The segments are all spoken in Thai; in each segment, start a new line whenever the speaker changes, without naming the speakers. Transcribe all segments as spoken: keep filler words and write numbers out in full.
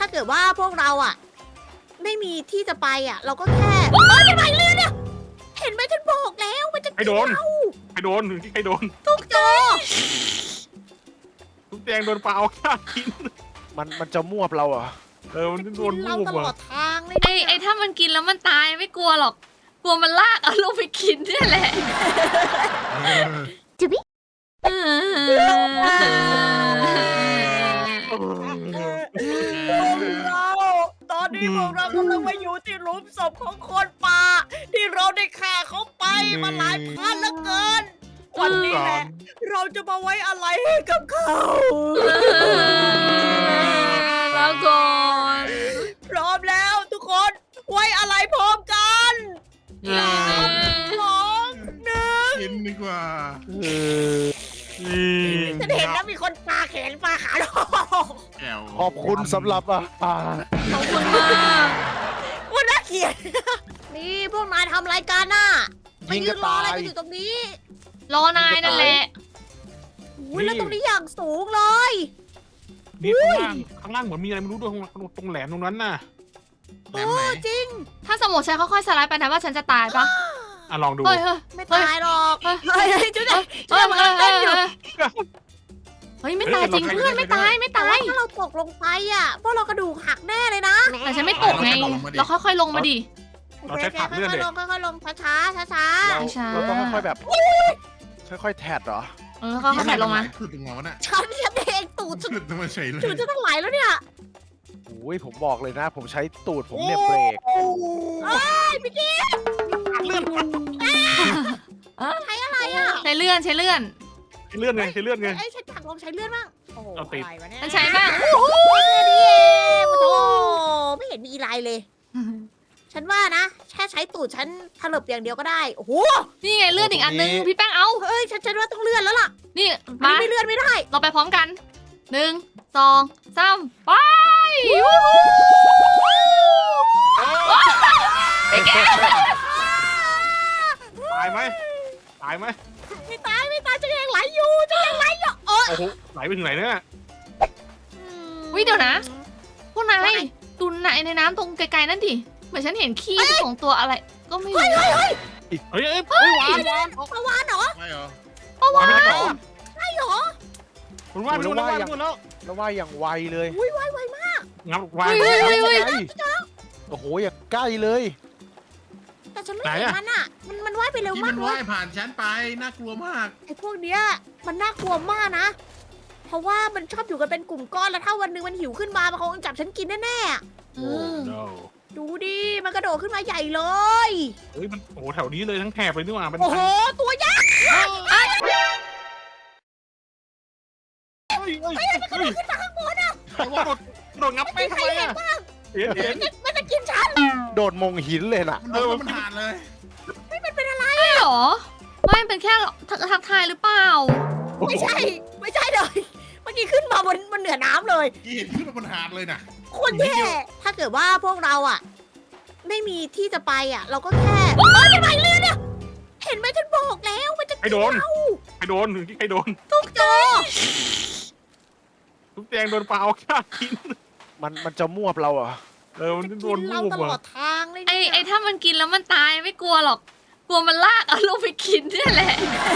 ถ้าเกิดว่าพวกเราอะไม่มีที่จะไปอะเราก็แค่เอ้ยจะไปเรือเนี่ยเห็นไหมฉันบอกแล้วมันจะ
ใครโดน
เรา
ใครโดนใครโดน
ทุกโจ
ทุกแจงโดนปลาเอาข้าวกิน
มันมันจะมั่วเราเหรอ
เออมันโดน
เรา
รูป
ตลอ
อ่ะ
ดทางเลย
ไอ้ไอ้ถ้ามันกินแล้วมันตายไม่กลัวหรอก กลัวมันลากเอาลงไปกินนี่แหละ
จิบิ
เออ
เราตอนนี้พวกเรากำลังมาอยู่ที่หลุมศพของคนป่าที่เราได้ฆ่าเขาไปมาหลายพันแล้วเกิน วันนี้แหละ เราจะมาไว้อะไรให้กับเขา
แล้วก่อน
พร้อมแล้วทุกคนไว้อะไรพร้อมกันสามสองหนึ่ง
กินดีกว่า
เออ
นี่
ฉันเห็นนะมีคนปาแขนปาขาลง
แก้ว
ขอบคุณสำหรับอาหาร
ขอบคุณมาก
ว่าน่าเกลียด นี่พวกนายทำรายการน่ะมา
ยิง
ยื
กระ
นรอ
ตา
อะไร
ย
กันอยู่ตรงนี้
รอนายนั่นแหละ
อุ้ยแล้วตรงนี้อย่างสูงเลย
นี่ข้างล่างข้างล่างเหมือนมีอะไรไม่รู้ด้วยตรงตรงแหลมตรงนั้นน่ะ
แหลมไหน
จริง
ถ้าสมมติฉันค่อยๆสไลด์ไปนะว่าฉันจะตายปะ
อ่ะลองดู
เฮ้ยเฮ้ย
ไม่ตายหรอก
เฮ้ย
เฮ้ยเฮ้ยจุ๊ด
เฮ้ย
จุ๊ดมันกำลังเต้นอยู่
เฮ้ยไม่ตายจริงเพื่อนไม่ตายไม่
แต่
ตา
ว่าย ถ้าเราตกลงไปอ่ะพวกเรากระดูกหักแน่เลยนะ
แต่ฉันไม่ตกไง เราค่อยๆลงมาดิ
เราใช้ผักเลื่อน
ค่
เด็
อยๆลงค่อยๆลงช้าๆช้า
เรา
ช้าๆ
เราต้องค่อยๆแบบ ค่อยๆแทดเหรอ
เออค่อยๆลงมา
ขึ้นตรงหัวน่ะ
ๆฉันฉันเองตูดฉัน
ขึ้นตรงมาเฉยเลย
ตูดจะทั้งไหลแล้วเนี่ย
โอ้ยผมบอกเลยนะ ผมใช้ตูดผมเนี่ยเบรก
เอ้ยพี่กิ๊ก
เลื่อน
ใช้อะไรอ่ะ
ใช้เลื่อนใช้เลื่อน
ใช้เลื่อนไงใช้เลื่อนไง
ไอ้ยฉันอยากลองใช้เลื่อนบ้างโอ้โห
เอาติด
อะไรวะเนี่ย
มันใช้บ้าง
โอ้โหนี่เองโอ้โหไม่เห็นมีอะไรเลย ฉันว่านะแค่ใช้ตูดฉันถลบอย่างเดียวก็ได้โอ้โห
นี่ไงเลื่อนอีกอันนึงพี่แป้งเอา
เฮ้ยฉันฉันว่าต้องเลื่อนแล้วล่ะ
นี่
อัน
มา
นี้ไม่เลื่อนไม่ได้
เราไปพร้อมกันหนึ่งสองสามไปวู้ฮู้
ตายไหมตายไหม
ไม่ตายไม่ตายจะยังไหลอยู่จะยังไหลอยู่โอ้
โอ้โหไหลไปถึงไหนเนี่ย
วิเดี๋ยวนะ พวกนายตุนไหนในน้ำตรงไกลๆนั่นดิเหมือนฉันเห็นขี้ของตัวอะไร ก็ไม่รู้
เฮ้ยเฮ้ยเฮ้ยวานวาน
ปลาวานเหรอ
ไม่เหรอ
วานไม่ได้หรอ
ใช่เหรอ
คุณว่านไปนู่นแล้วว่านไปนู่นแล้ว
แล้วว่าอย่างไวเลย
อุ้ยไวไวมาก
งับวาน
เฮ้ยเฮ้ยเฮ้ย
ไงโอ้โหอย่างใกล้เลย
แต่ฉันไม่
ไหน
เห็น
อะ
มันอ่ะ มันมันว่ายไปเร็ว
ที่
มา
มั
ก
น
เล
ว่าย ยผ่านฉันไปน่ากลัวมาก
ไอ้พวกเนี้ยมันน่ากลัวมากนะ เพราะว่ามันชอบอยู่กันเป็นกลุ่มก้อนแล้วถ้าวันหนึงมันหิวขึ้นมามันคงจับฉันกินแน่ๆอะ
เออ
no
ดูดิมันกระโดดขึ้นมาใหญ่เลย
เฮ้ยมันโอ้โหแถวนี้เลยทั้งแถบเลยนี่หว่าเป็น
โอ้โหตัวยักษ์
เฮ้ยเฮ้ยเฮ้ย
มันกระโดดขึ้นมาข้างบนอ่ะ
ไอ้ว่าโดดโดดงับแป้งทำไมอ่ะเห็นเห็น
มันจะกินฉัน
โดดมงหินเลยน่ะ
มันโดนมันผ่านเลย
ไม่มันเป็นอะไร
ใช่เหรอไม่เป็นแค่ทักทักทายหรือเปล่า
ไม่ใช่ ไม่ใช่เลยเมื่อกี้ขึ้นมาบนบนเหนือน้ำเลย
กี่เห็นขึ้นมาบนหาดเลยน่ะ
โคนแย่ถ้าเกิดว่าพวกเราอ่ะ ไม่มีที่จะไปอ่ะ เราก็แค่เอ้ยจะไปเรือเนี่ยเห็นไหมฉันบอกแล้วมันจะ
ใครโดน
เรา
ใครโดนใครโดน
ทุกโจ
ทุกแจงโดนปลาเอาข้าวกิน
มันมันจะมั่วเราเหรอ
เออมันโดน
เรา
รูป
ตลอ
อ่ะ
ดทางเลย
ไอ้
เนี่ย
ไอ้ถ้ามันกินแล้วมันตายไม่กลัวหรอก กลัวมันลากเอาลงไปกินนี่แหละ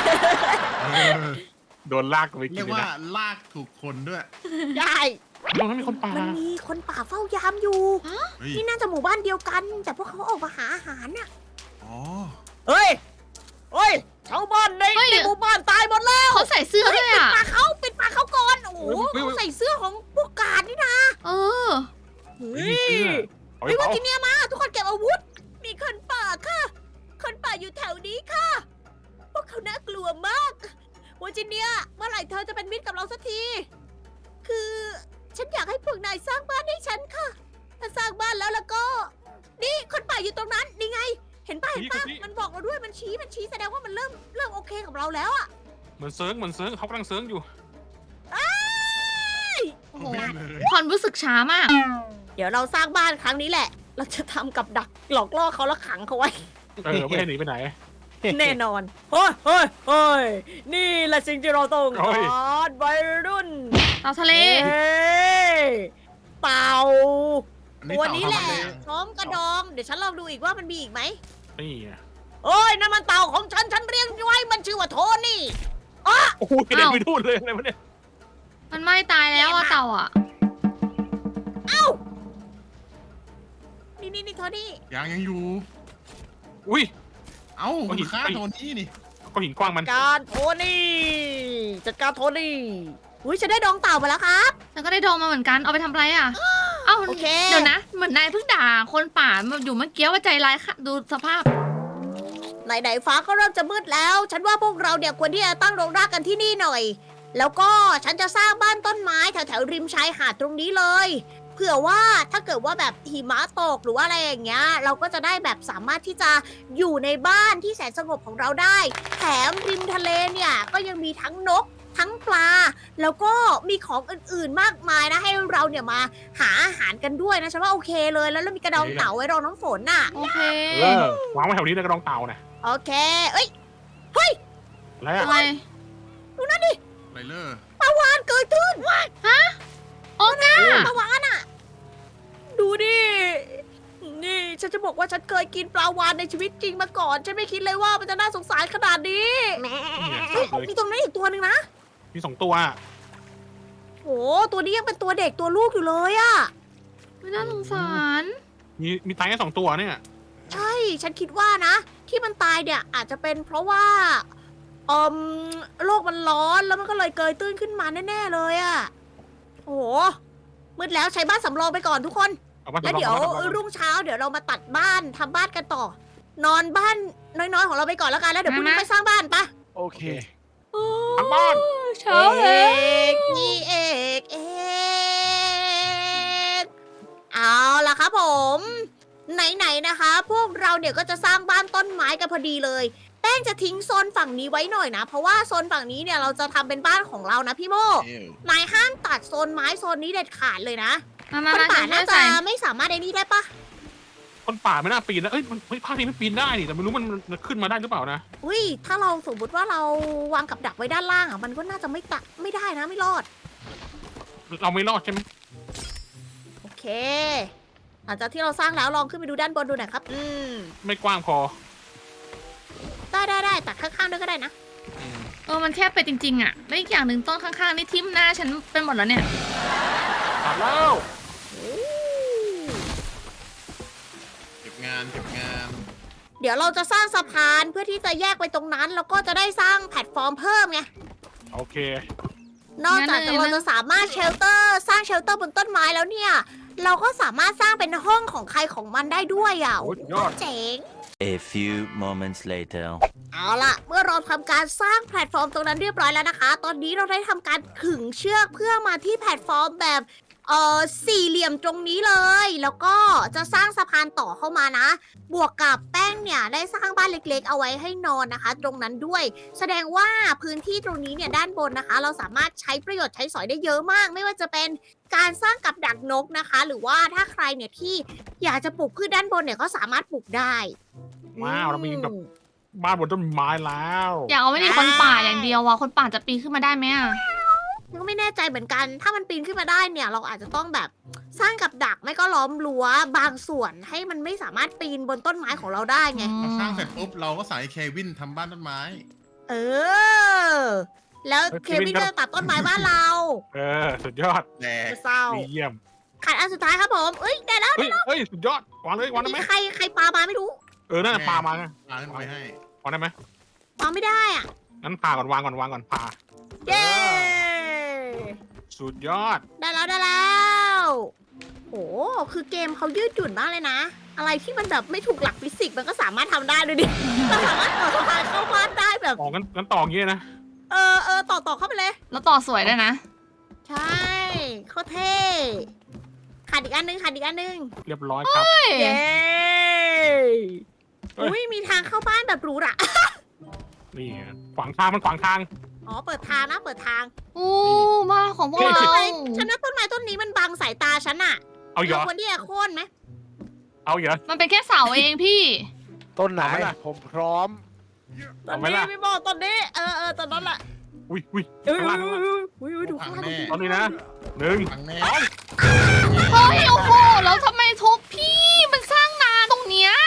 โดนลากไปกิ
เรี
น
ยก
เลย
ว่า
นะ
ลากถูกคนด้วย
ได้
ตรงนั้นมีคนป่า
มันมีคนป่าเฝ้ายามอยู่
เฮ้ย
นี่น่าจะหมู่บ้านเดียวกัน แต่พวกเขาออกมาหาอาหารน่ะ
อ๋อ
เฮ้ยเฮ้ยชาวบ้านใน
เฮ้ย
ในหมู่บ้านตายหมดแล้ว
เขาใส่เสื้อด้วย
ปิด
อ่ะ
ปากเขาปิดปากเขาก่อนโอ้โหเขาใส่เสื้อของพวกกาดนี่นะ
เออ
เฮ้
มีเสื้
ย
อเอาไป
ไม่ว่า
เผา
กินเนี่ยมา ทุกคนเก็บอาวุธ มีคนป่าค่ะ คนป่าอยู่แถวนี้ค่ะ พวกเขาน่ากลัวมากวันจิเนียเมื่อไหร่เธอจะเป็นมิตรกับเราสักที คือฉันอยากให้พวกนายสร้างบ้านให้ฉันค่ะ ถ้าสร้างบ้านแล้วแล้วก็ นี่คนป่าอยู่ตรงนั้นนี่ไง เห็นป่ะเห็นป่ะมันบอกเราด้วยมันชี้มันชี้แสดงว่ามันเริ่มเริ่มโอเคกับเราแล้วอะ
เหมือนเซิร์งเหมือนเซิร์งเขากำลังเซิร์งอยู่
โอ้โห
ไม่เลย
ความรู้สึกช้ามาก
เดี๋ยวเราสร้างบ้านครั้งนี้แหละ เราจะทำกับดักหลอกล่อเขาแล้วขังเขาไว้
เออไม่ให้หนีไปไหน
แน่นอน เฮ้ยเฮ้ยเฮ้ยนี่แหละสิ่งที่เราต้อง
โอ้
กาย รวัยรุ่น
เต่าทะเล
เฮ้ยเต่า
อั
ตัวนี้แหละ
เต่าทำอะไร
พร้อมกระดอง เดี๋ยวฉันลองดูอีกว่ามันมีอีกไหม
นี่ไง
โอ้ยนั่นมันเต่าของฉัน ฉันเรียกไว้มันชื่อว่าโทนี่
โอ้โหกระเด็นไปทุ่นเลยอะไรวะเนี่ย
มันไม่ตายแล้วอะเต่าอะ
นี่นี่นี่โทนี่
ยังยังอยู่
อุ้ย
เอ้า
เอาหิน
ฆ่า
ไป
โทนี่นี่
ก้อนหินกว้างมัน
การโทนี่ จัดการโทนี่ อุ้ยฉันได้ดองเต่ามาแล้วครับ
แล้วก็ได้ดองมาเหมือนกัน เอาไปทำอะไรอะเอ้า
โอเค
เดี๋ยวนะ เหมือนนายเพิ่งด่าคนป่ามาอยู่เมื่อกี้ว่าใจร้ายค่ะ ดูสภาพ
ไหนๆฟ้าก็เริ่มจะมืดแล้ว ฉันว่าพวกเราเนี่ยควรที่จะตั้งโรงรากกันที่นี่หน่อย แล้วก็ฉันจะสร้างบ้านต้นไม้แถวๆริมชายหาดตรงนี้เลย เผื่อว่าถ้าเกิดว่าแบบหิมะตกหรือว่าอะไรอย่างเงี้ย เราก็จะได้แบบสามารถที่จะอยู่ในบ้านที่แสนสงบของเราได้ แถมริมทะเลเนี่ยก็ยังมีทั้งนก ทั้งปลา แล้วก็มีของอื่นๆมากมายนะให้เราเนี่ยมาหาอาหารกันด้วยนะฉันว่าโอเคเลย แล้วเรามีกระดองเต่าไว้รองน้ำฝนน่ะ
โอเค
เออวางไว้แถวนี้เลยกระดองเต่าเนี่ย
โอเค เอ้ย
อะไรอะ
อะไร
ไรเลอร์
ปลาวานเกิดขึ้น
โอ้ก้า
ปลาวานอ่ะ ดูดิ นี่ฉันจะบอกว่าฉันเคยกินปลาวานในชีวิตจริงมาก่อน ฉันไม่คิดเลยว่ามันจะน่าสงสารขนาดนี้
นี่ไง
เฮ้ย
เลย
มีตรงนั้นอีกตัวหนึ่งนะ
มีสองตัวอะ
โอ้ตัวนี้ยังเป็นตัวเด็กตัวลูกอยู่เลยอะ
ไม่น่าสงสาร
มีมีตายแค่สองตัวเนี่ย
ใช่ ฉันคิดว่านะ ที่มันตายเนี่ยอาจจะเป็นเพราะว่าอมโลกมันร้อนแล้วมันก็เลยเกยตื้นขึ้นมาแน่ๆเลยอะโอ้โหมืดแล้วใช้บ้านสำรองไปก่อนทุกคน
เอามา
แล้ว
สำรอง
เดี๋ยว
เอามาสำรอง
รุ่งเช้าเดี๋ยวเรามาตัดบ้านทำบ้านกันต่อ นอนบ้านน้อยๆของเราไปก่อนแล้วกันแล้วเดี๋ยวพรุ่งนี้
มา
ไปสร้างบ้านปะ
โอเค
ทั้งบ้าน
เช้าแล้ว
กพี่เอกเอกเอาล่ะครับผม ไหนๆนะคะ พวกเราเนี่ยก็จะสร้างบ้านต้นไม้กันพอดีเลย แป้งจะทิ้งโซนฝั่งนี้ไว้หน่อยนะ เพราะว่าโซนฝั่งนี้เนี่ยเราจะทำเป็นบ้านของเรานะพี่โม
เอ้ย
นายห้ามตัดโซนไม้โซนนี้เด็ดขาดเลยนะ
มามา
คน
มา
ป่า
ช่
น่า
วย
จะ
ใส่
ไม่สามารถไอ้นี่ได้ปะ
คนป่าไม่น่าปีนนะเอ้ยมันเฮ้ยภาคนี้มันปีนได้นี่แต่ไม่รู้มันมันขึ้นมาได้หรือเปล่านะ
อุ้ยถ้าเราสมมติว่าเราวางกับดักไว้ด้านล่างอ่ะมันก็น่าจะไม่ตะไม่ได้นะไม่รอด
เราไม่รอดใช่ไหม
โอเค หลังจากที่เราสร้างแล้วลองขึ้นไปดูด้านบนดูหน่อยครับ อืม
ไม่กว้างพอ
ได้ได้ได้ตัดข้างๆด้วยก็ได้นะ
อืม
เออมันแคบไปจริงๆอะแล้วอีกอย่างหนึ่งต้นข้างๆนี่ทิ่มหน้าฉันเป็นหมดแล้วเนี่ย
ตัดแล้ว
เก็บงานเก็บงาน
เดี๋ยวเราจะสร้างสะพานเพื่อที่จะแยกไปตรงนั้น แล้วก็จะได้สร้างแพลตฟอร์มเพิ่มไง
โอเค
นอกจาก
งั้นเลย
เราจะสามารถเชลเตอร์ สร้างเชลเตอร์บนต้นไม้แล้วเนี่ย เราก็สามารถสร้างเป็นห้องของใครของมันได้ด้วยอ่ะ
โอ้ยยอด
เจ๋ง
A few moments later.
เอาล่ะ เมื่อเราทำการสร้างแพลตฟอร์มตรงนั้นเรียบร้อยแล้วนะคะ ตอนนี้เราได้ทำการขึงเชือกเพื่อมาที่แพลตฟอร์มแบบเอ่อสี่เหลี่ยมตรงนี้เลย แล้วก็จะสร้างสะพานต่อเข้ามานะ บวกกับแป้งเนี่ยได้สร้างบ้านเล็กๆ เอาไว้ให้นอนนะคะ ตรงนั้นด้วย แสดงว่าพื้นที่ตรงนี้เนี่ยด้านบนนะคะ เราสามารถใช้ประโยชน์ใช้สอยได้เยอะมาก ไม่ว่าจะเป็นการสร้างกับดักนกนะคะ หรือว่าถ้าใครเนี่ยที่อยากจะปลูกพืชด้านบนเนี่ยก็สามารถปลูกได้
ว้าวเรามีแบบ
อืม
บ้านบนต้นไม้แล้ว
อยากเอาไว้ในคนป่าอย่างเดียวอะคนป่าจะปีนขึ้นมาได้ไหมอะ
ก็ไม่แน่ใจเหมือนกัน ถ้ามันปีนขึ้นมาได้เนี่ย เราอาจจะต้องแบบสร้างกับดักไม่ก็ล้อมรั้วบางส่วนให้มันไม่สามารถปีนบนต้นไม้ของเราได้ไง
พอสร้างเสร็จปุ๊บเราก็ใส่เควินทำบ้านต้นไม้
เออ แล้วเควินก็จะตัดต้นไม้บ้านเรา
เออสุดยอด
แดก
เศร้า
ดีเยี่ยม
ขาดอันสุดท้ายครับผม เอ้ยได้แล้ว
เฮ้ยเฮ้ยสุดยอดวางเลยวางได้ไหม
มีใครใครปามาไม่รู้
เออน่าจะปลามาไง
วางขึ้นไปให้
วางได้ไหม
วางไม่ได้อ่ะ
งั้นปลาก่อนวางก่อนวางก่อนปลา
เย้
สุดยอด
ได้แล้วได้แล้วโหคือเกมเขายืดหยุ่นมากเลยนะ อะไรที่มันแบบไม่ถูกหลักฟิสิกส์มันก็สามารถทำได้ด้วยดิ เราสามารถต่อสะพานเข้าบ้านได้แบบ
ออกงั้นงั้นต่ออย่างงี้นะ
เออเออต่อต่อเข้าไปเลย
แล้วต่อสวยด้วยนะ
ใช่โคตรเท่ขาดอีกอันนึงขาดอีกอันนึง
เรียบร้อยครับ
เย้
เฮ้ย
อุ้ยมีทางเข้าบ้านแบบหรูหรา
นี่ไงขวางทางมันขวางทาง
อ๋อเปิดทางนะเปิดทาง
อู้บ้านของพวกเรา
ทำไมฉันว่าต้นไม้ต้นนี้มันบังสายตาฉันอะ
เอาเหร
เรา
อ
ควรที่จะโค่นไหม
เอาเหรอ
มันเป็นแค่เสาเองพี่
ต้นไหน
เอาไหมล่ะ
ผมพร้อม
ตอน
เอาไหม
นี้
ล่ะ
ไม่บอกตอนนี้เออเออตอนนั้นแหละ
อุ้ยอุ้ย
เอ้ย
ข้างล่างข้างล่าง
อุ้ยอุ้ยดูข้างล่าง
แน่
ตอนนี้นะหนึ่ง
พังแน่
สอง
เฮ้ยโอ้โหแล้วทำไมทุบพี่มันสร้างนาตรงเนี้ย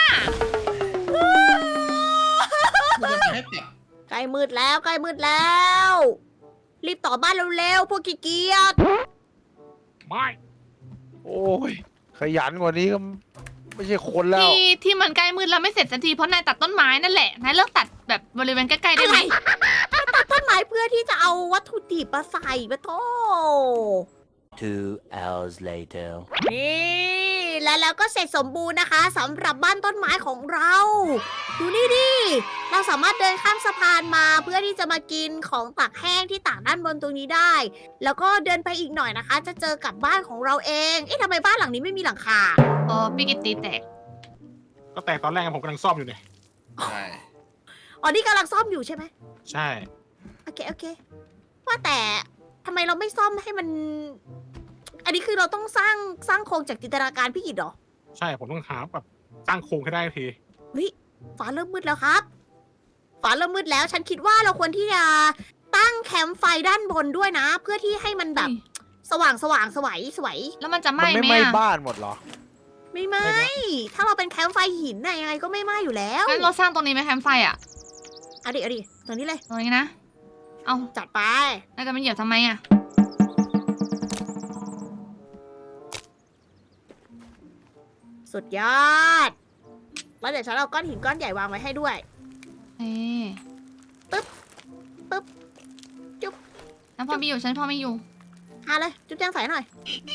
มันจะให้ติด
ใกล้มืดแล้วใกล้มืดแล้ว รีบต่อบ้านเร็วๆพวกขี้เกียจ
ไม่
โอ้ยขยันกว่านี้ก็ไม่ใช่คนแล้ว
ที่ที่มันใกล้มืดแล้วไม่เสร็จสักทีเพราะนายตัดต้นไม้นั่นแหละนายเลิกตัดแบบบริเวณใกล้ๆได้
อะ
ไห
ไร
ม
ตัดต้นไม้เพื่อที่จะเอาวัตถุดิบมาใส่ปะโถ
Two hours later.
นี่และแล้วก็เสร็จสมบูรณ์นะคะสำหรับบ้านต้นไม้ของเรา ดูนี่ดิ เราสามารถเดินข้ามสะพานมาเพื่อที่จะมากินของตากแห้งที่ตากด้านบนตรงนี้ได้ แล้วก็เดินไปอีกหน่อยนะคะ จะเจอกับบ้านของเราเอง เอ๊ะทำไมบ้านหลังนี้ไม่มีหลังคา
เออพี่กิตตีแตก
ก็แต่ตอนแรกผมกำลังซ่อมอยู่เนี่ย
ใช่
อ๋อนี่กำลังซ่อมอยู่ใช่ไหม
ใช่
โอเคโอเค ว่าแต่ทำไมเราไม่ซ่อมให้มัน อันนี้คือเราต้องสร้างสร้างโครงจากจินตนาการพี่กิตเหรอ
ใช่ผมต้องหาแบบสร้างโครงให้ได้ที
เฮ้ยฟ้าเริ่มมืดแล้วครับฟ้าเริ่มมืดแล้ว ฉันคิดว่าเราควรที่จะตั้งแคมป์ไฟด้านบนด้วยนะ เพื่อที่ให้มันแบบ
อุ๊ย
สว่างสว่างสวัยสวย
แล้วมันจะไห
มัน
ม้
ไม่
ไหม
ไหม้
อะ
บ้านหมดเหรอ
ไม่ไหมถ้าเราเป็นแคมป์ไฟหินน่ะยังไงก็ไม่ไหม้อยู่แล้ว
งั้นเราสร้างตรงนี้ไหมแคมป์ไฟอ่ะ
เอาดิเอาดิตรงนี้เลย
ตรงนี้นะ เอา
จัดไป
นายจะมาเหยียบทำไมอ่ะ
สุดยอด แล้วเดี๋ยวฉันเอาก้อนหินก้อนใหญ่วางไว้ให้ด้วย
เอ๊ะ
ปึ๊บปึ๊บจุ๊บ
ฉันพอมีอยู่ฉันพอมีอยู่
หาเลย จุ๊บแจงใส่หน่อย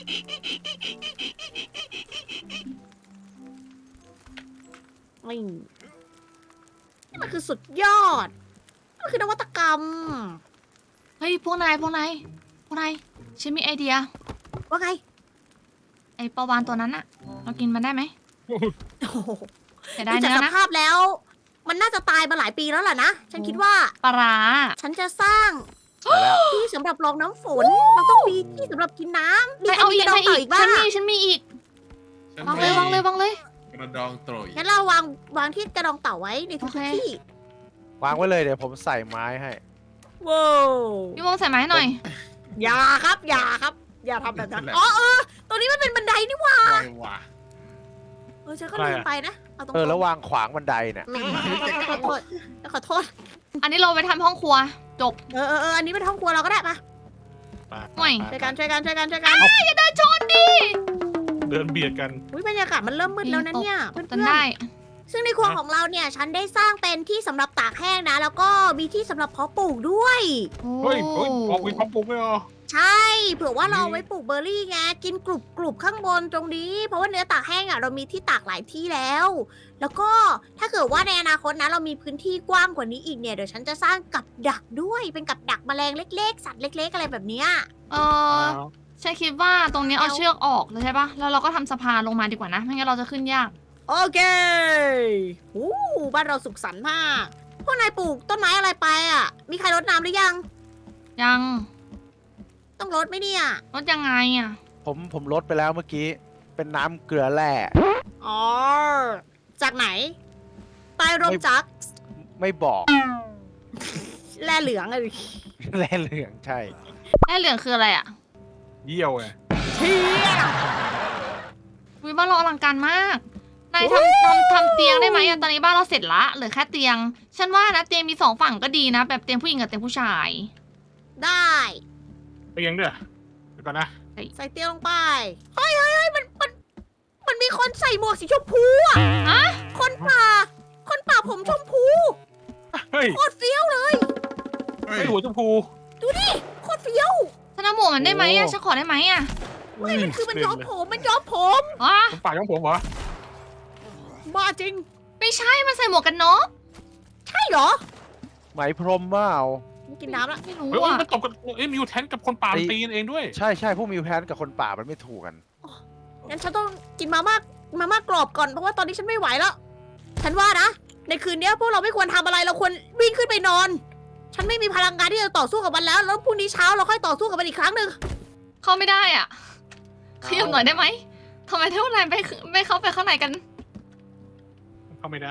นี่นี่มันคือสุดยอดมันคือนวัตกรรม
เฮ้ยพวกนายพวกนายพวกนายฉันมีไอเดีย
ว่าไง
ไอปลาวานตัวนั้นอะเรากินมันได้ไหม
โอ้โห
แต่ได้
ดูจาก
เนื้อ
ส
นะ
ภาพแล้ว มันน่าจะตายมาหลายปีแล้วล่ะนะ ฉันคิดว่า
ปลาร้า
ฉันจะสร้าง
ไปแล้ว
ที่สำหรับรองน้ำฝน เราต้องมีที่สำหรับกินน้ำมี
นาย
ใคร
เอา
มี
อี
ก
ก
ระดอง
นาย
เต่า
อี
อี
ก
กบ้า
ฉั
ง
นมีฉันมีอีก
ฉัน
วางเลยวางเลยวางเลย
กระดองโตรย
งั้นเราวางวางที่กระดองเต่าไว้ในทุก
โอเค
ๆที่
วางไว้เลยเดี๋ยวผมใส่ไม้ให้
ว้าว
พี่โมใส่ไม้ให้หน่อย
อย่าครับ อย่าครับ อย่าทำแบบนั้นอ๋อเออตรงนี้มันเป็นบันไดนี่หว่า
อะไรวะ
เออฉันก็ลืมไปนะเอาตรง
เออแล้ววางขวางบันไดเนี่ย
แหมขอโทษขอโทษ
อันนี้เราไปทำห้องครัว จบ
เออเออเอออันนี้เป็นห้องครัวเราก็ได้ปะ
ไป
ห่วย
ช่วยกันช่วยกันช่วยกันช่วยกัน
อย่าเดินชนดิ
เดินเบียดกัน
อุ้ยบรรยากาศมันเริ่มมืดแล้วนะเนี่ยเพื่
จน
อน
ได้
ๆซึ่งในครัวของเราเนี่ย ฉันได้สร้างเป็นที่สำหรับตากแห้งนะ แล้วก็มีที่สำหรับเพาะปลูกด้วย
เฮ้ยเฮ้ยออกวิพอปลูกไม่เหรอ
ใช่ เผื่อว่าเราเอาไว้ปลูกเบอร์รี่ไง กินกรุบกรุบข้างบนตรงนี้ เพราะว่าเนื้อตากแห้งอ่ะเรามีที่ตากหลายที่แล้ว แล้วก็ถ้าเกิดว่าในอนาคตนะเรามีพื้นที่กว้างกว่านี้อีกเนี่ย เดี๋ยวฉันจะสร้างกับดักด้วย เป็นกับดักแมลงเล็ก ๆ สัตว์เล็ก ๆ อะไรแบบเนี้ย
เออฉันคิดว่าตรงนี้เอาเชือกออกเลยใช่ปะแล้วเราก็ทำสะพานลงมาดีกว่านะ ไม่งั้นเราจะขึ้นยาก
โอเคอู้บ้านเราสุขสันต์มาก พวกนายปลูกต้นไม้อะไรไปอ่ะ มีใครรดน้ำหรือยัง
ยัง
ต้องรดไหมเนี่ย
รถยังไงอ่ะ
ผมผมลดไปแล้วเมื่อกี้ เป็นน้ำเกลือแร่
อ๋อ จากไหน ใต้ร่มจักร
ไม่บอก
แร่เหลืองอะดิ
แร่เหลืองใช่
แร่เหลืองคืออะไรอ่ะ
เยี่ยวไง
เชี่ย
วิบ้านเราอลังการมาก นายทำทำทำเตียงได้ไหมอะตอนนี้บ้านเราเสร็จละเหลือแค่เตียง ฉันว่านะเตียงมีสองฝั่งก็ดีนะ แบบเตียงผู้หญิงกับเตียงผู้ชาย
ได้
ไปยังเด้อเดี๋ยวก่อนนะ
ใส่เตียงลงไป เฮ้ยเฮ้ยเฮ้ยมันมัน มันมีคนใส่หมวกสีชมพูอ่ะ
ฮะ
คนป่า คนป่าผมชมพู
เฮ้ย
โคตรเฟี้ยวเลย
เฮ้ย
ไอหัวชมพู
ดูดิ โคตรเฟี้ยว
ฉันเอาหมวกมันได้ไหมอะ
โอ้
ฉันขอได้ไหมอะ
เฮ้ยมันคือมันย้อมผม มันย้อมผม
อ๋อ
ผมปากของผมเหรอ
บ้าจริง
ไม่ใช่มันใส่หมวกกันน็อก
ใช่เหรอ
ไหมพรมเปล่า
กินน้ำละ
ไม่รู้
เฮ้ย
อะ
มันตบกันเอ้ยมิวแทนกับคนป่ามันตีกันเองด้วย
ใช่ใช่พวกมิวแพนกับคนป่ามันไม่ถูกกัน
งั้นฉันต้องกินมาม่ามาม่ากรอบก่อน เพราะว่าตอนนี้ฉันไม่ไหวแล้ว ฉันว่านะ ในคืนนี้พวกเราไม่ควรทำอะไร เราควรวิ่งขึ้นไปนอน ฉันไม่มีพลังงานที่จะต่อสู้กับมันแล้ว แล้วพรุ่งนี้เช้าเราค่อยต่อสู้กับมันอีกครั้งหนึ่ง
เข้าไม่ได้อ่ะขยับหน่อยได้ไหมทำไมเท่าไหร่ไม่ไม่เข้าไปข้างในกัน
เข้าไม่ได้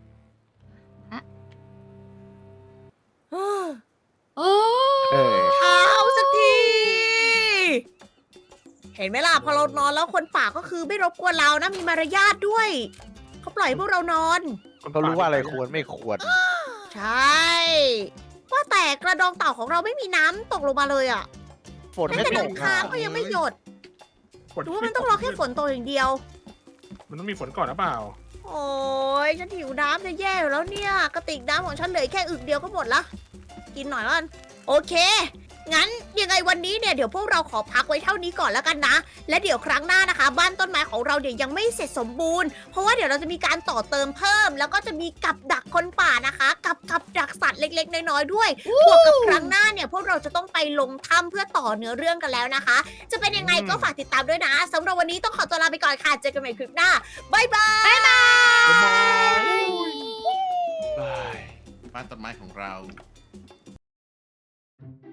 เออ
เออ
เอาสักทีเห็นไหมล่ะพอเรานอนแล้วคนป่าก็คือไม่รบกวนเรานะมีมารยาทด้วยเขาปล่อยให้พวกเรานอน
เขารู้ว่าอะไรควรไม่ควร
ใช่ว่าแต่กระดองเต่าของเราไม่มีน้ำตกลงมาเลยอ่ะ
ฝน
แม้
ไม่
แต่
ต
น้ำ
ก
ค้าง
อ่ะ
ก็ยังไม่หยด
ฝน
หรือว่ามันต้องรอแค่ฝนตกอย่างเดียว
มันต้องมีฝนก่อนหรือเปล่า
โอ้ยฉันหิวน้ำจะแย่อยู่แล้วเนี่ยกระติกน้ำของฉันเหลือแค่อึกเดียวก็หมดละกินหน่อยละกันโอเค งั้นยังไงวันนี้เนี่ยเดี๋ยวพวกเราขอพักไว้เท่านี้ก่อนแล้วกันนะ และเดี๋ยวครั้งหน้านะคะ บ้านต้นไม้ของเราเดี๋ยวยังไม่เสร็จสมบูรณ์เพราะว่าเดี๋ยวเราจะมีการต่อเติมเพิ่ม แล้วก็จะมีกับดักคนป่านะคะ กับกับดักสัตว์เล็กๆน้อยๆด้วยบวกกับครั้งหน้าเนี่ยพวกเราจะต้องไปลงถ้ำเพื่อต่อเนื้อเรื่องกันแล้วนะคะ จะเป็นยังไงก็ฝากติดตามด้วยนะสำหรับวันนี้ต้องขอตัวลาไปก่อนค่ะเจอกันใหม่คลิปหน้าบ๊ายบายบ๊ายบาย
บาย
บ้านต้นไม้ของเรา